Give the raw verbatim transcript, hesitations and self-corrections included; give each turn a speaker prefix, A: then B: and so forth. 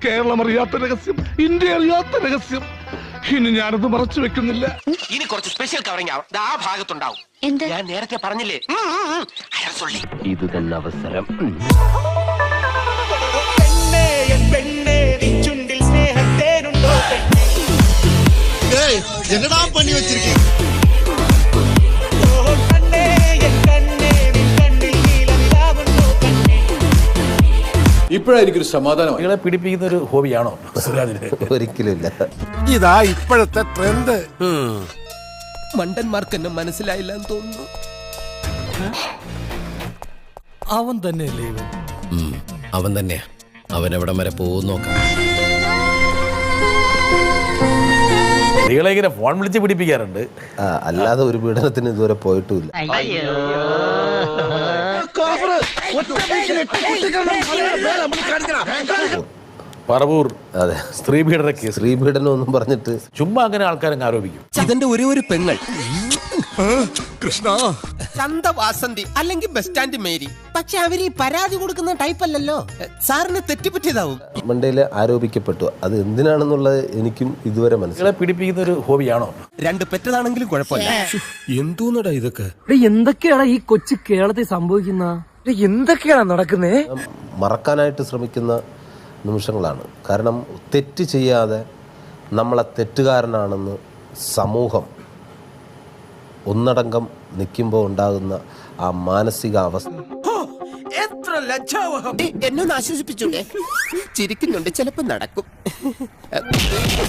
A: കേരളം അറിയാത്ത രഹസ്യം, ഇന്ത്യ അറിയാത്ത രഹസ്യം. ഇനി ഞാനത് മറച്ചു വെക്കുന്നില്ല.
B: ഇനി കുറച്ച് സ്പെഷ്യൽ കവറിംഗ് ആവും. ആ ഭാഗത്തുണ്ടാവും. ഞാൻ നേരത്തെ പറഞ്ഞില്ലേ, ഇത് തന്നെ അവസരം.
C: என்னடா பண்ணி வச்சிருக்கீங்க?
D: ഇപ്പോഴായിരിക്കും ഒരു സമാധാനം. നിങ്ങളെ പിടിപ്പിക്കുന്ന ഒരു ഹോബിയാണോ സുരാജിന്?
C: ഒരിക്കലുമില്ല.
E: ഇതാ ഇപ്പോഴത്തെ ട്രെൻഡ്.
B: മണ്ടന്മാർക്ക് എന്നെ മനസ്സിലായില്ല എന്ന് തോന്നുന്നു.
F: അവൻ തന്നെയല്ലേ ഇവൻ?
B: അവൻ തന്നെയാ. അവൻ എവിടം വരെ പോകും നോക്കാം.
D: നിങ്ങളെ ഇങ്ങനെ ഫോൺ വിളിച്ച് പിടിപ്പിക്കാറുണ്ട്.
C: അല്ലാതെ ഒരു പീഡനത്തിന് ഇതുവരെ പോയിട്ടുമില്ല.
D: പറവൂർ
C: അതെ,
D: സ്ത്രീ പീഡന കേസ്.
C: സ്ത്രീ പീഡനം ഒന്നും പറഞ്ഞിട്ട്
D: ചുമ്മാ അങ്ങനെ ആൾക്കാരങ്ങ് ആരോപിക്കും.
B: ഇതെന്റെ ഒരേ ഒരു പെങ്ങൾ
E: കൃഷ്ണ
B: ചന്ത വാസന്തി അല്ലെങ്കിൽ ബസ് സ്റ്റാൻഡ് മേരി. പക്ഷെ അവര് ഈ പരാതി കൊടുക്കുന്ന ടൈപ്പ് അല്ലല്ലോ. സാറിന് തെറ്റുപറ്റിയതാവും.
C: മണ്ടയില് ആരോപിക്കപ്പെട്ടു. അത് എന്തിനാണെന്നുള്ളത് എനിക്കും ഇതുവരെ മനസ്സിലായി.
D: നിങ്ങളെ പിടിപ്പിക്കുന്ന ഒരു ഹോബിയാണോ?
B: രണ്ട് പെറ്റതാണെങ്കിലും കുഴപ്പമില്ല.
E: എന്തോന്നടാ ഇതൊക്കെ?
F: എന്തൊക്കെയാണ് ഈ കൊച്ചു കേരളത്തിൽ സംഭവിക്കുന്ന? എന്തൊക്കെയാണ് നടക്കുന്നേ?
C: മറക്കാനായിട്ട് ശ്രമിക്കുന്ന നിമിഷങ്ങളാണ്. കാരണം തെറ്റ് ചെയ്യാതെ നമ്മളെ തെറ്റുകാരനാണെന്ന് സമൂഹം ഒന്നടങ്കം നിൽക്കുമ്പോൾ ഉണ്ടാകുന്ന ആ മാനസിക അവസ്ഥ.
B: എത്ര ലജ്ജാവഹം. എന്നെ ഒന്ന് ആശ്വസിപ്പിച്ചൂടെ? ചിരിക്കുന്നുണ്ട്, ചിലപ്പോ നടക്കും.